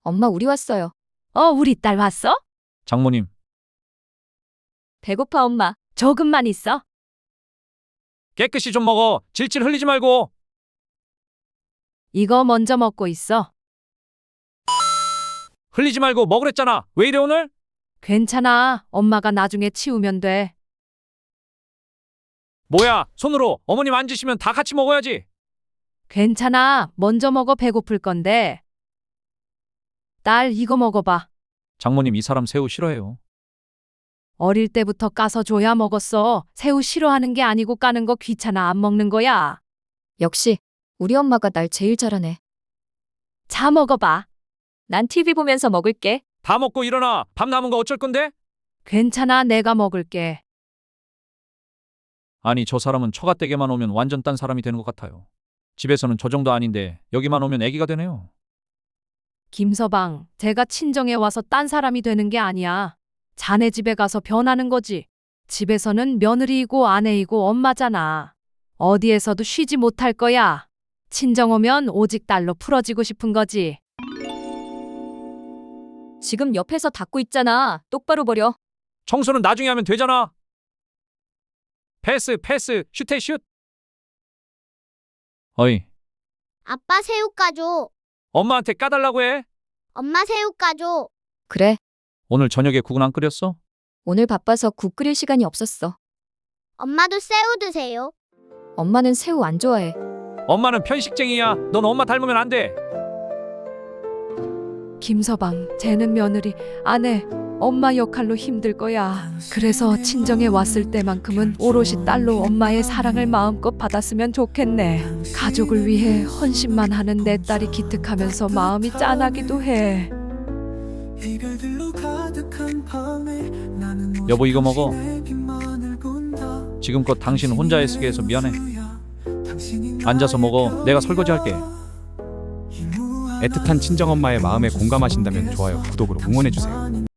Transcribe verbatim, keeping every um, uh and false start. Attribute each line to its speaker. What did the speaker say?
Speaker 1: 엄마, 우리 왔어요.
Speaker 2: 어, 우리 딸 왔어?
Speaker 3: 장모님,
Speaker 1: 배고파, 엄마.
Speaker 2: 조금만 있어.
Speaker 3: 깨끗이 좀 먹어. 질질 흘리지 말고.
Speaker 2: 이거 먼저 먹고 있어.
Speaker 3: 흘리지 말고 먹으랬잖아. 왜 이래 오늘?
Speaker 2: 괜찮아. 엄마가 나중에 치우면 돼.
Speaker 3: 뭐야, 손으로 어머님 앉으시면 다 같이 먹어야지.
Speaker 2: 괜찮아. 먼저 먹어. 배고플 건데. 딸, 이거 먹어봐.
Speaker 3: 장모님, 이 사람 새우 싫어해요.
Speaker 2: 어릴 때부터 까서 줘야 먹었어. 새우 싫어하는 게 아니고 까는 거 귀찮아 안 먹는 거야.
Speaker 1: 역시 우리 엄마가 날 제일 잘하네.
Speaker 2: 자, 먹어봐.
Speaker 1: 난 티비 보면서 먹을게.
Speaker 3: 다 먹고 일어나. 밥 남은 거 어쩔 건데?
Speaker 2: 괜찮아. 내가 먹을게.
Speaker 3: 아니, 저 사람은 처갓댁에만 오면 완전 딴 사람이 되는 것 같아요. 집에서는 저 정도 아닌데 여기만 오면 애기가 되네요.
Speaker 2: 김서방, 제가 친정에 와서 딴 사람이 되는 게 아니야. 자네 집에 가서 변하는 거지. 집에서는 며느리이고 아내이고 엄마잖아. 어디에서도 쉬지 못할 거야. 친정 오면 오직 딸로 풀어지고 싶은 거지.
Speaker 1: 지금 옆에서 닦고 있잖아. 똑바로 버려.
Speaker 3: 청소는 나중에 하면 되잖아. 패스, 패스, 슈테 슛. 어이,
Speaker 4: 아빠 새우 까줘.
Speaker 3: 엄마한테 까달라고 해.
Speaker 4: 엄마 새우 까줘.
Speaker 1: 그래,
Speaker 3: 오늘 저녁에 국은 안 끓였어?
Speaker 1: 오늘 바빠서 국 끓일 시간이 없었어.
Speaker 4: 엄마도 새우 드세요.
Speaker 1: 엄마는 새우 안 좋아해.
Speaker 3: 엄마는 편식쟁이야. 넌 엄마 닮으면 안 돼.
Speaker 2: 김서방, 쟤는 며느리, 아내, 엄마 역할로 힘들 거야. 그래서 친정에 왔을 때만큼은 오롯이 딸로 엄마의 사랑을 마음껏 받았으면 좋겠네. 가족을 위해 헌신만 하는 내 딸이 기특하면서 마음이 짠하기도 해.
Speaker 3: 여보, 이거 먹어. 지금껏 당신 혼자 애쓰게 해서 미안해. 앉아서 먹어. 내가 설거지 할게.
Speaker 5: 애틋한 친정엄마의 마음에 공감하신다면 좋아요, 구독으로 응원해주세요.